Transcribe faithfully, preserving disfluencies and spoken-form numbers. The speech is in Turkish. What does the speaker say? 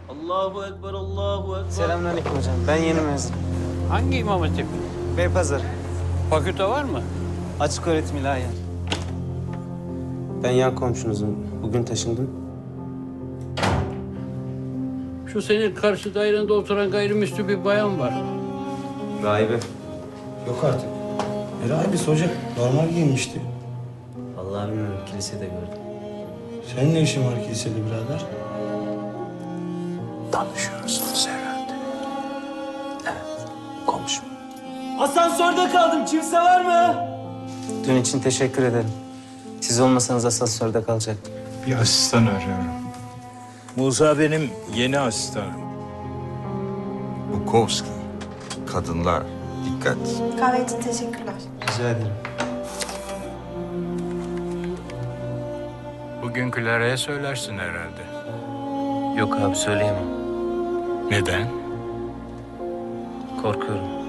Allahu Ekber, Allahu Ekber. Selamünaleyküm hocam. Ben yeni mezun. Hangi imam hatip? Beypazarı. Fakülte var mı? Açık öğretim ilahiyen. Ben yan komşunuzum. Bugün taşındım. Şu senin karşı dairende oturan gayrimüslim bir bayan var. Rahibe. Yok artık. E rahibesi hoca. Normal giyinmişti. Vallahi bilmiyorum. Kilisede gördüm. Senin ne işin var kilisede birader? Tanışıyorsunuz herhalde. Evet. Komşum. Asansörde kaldım. Kimse var mı? Dün için teşekkür ederim. Siz olmasanız asansörde kalacaktım. Bir asistan arıyorum. Musa benim yeni asistanım. Bukowski. Kadınlar. Dikkat. Kahve için teşekkürler. Rica ederim. Bugün Clara'ya söylersin herhalde. Yok abi söyleyemem. Neden? Korkuyorum.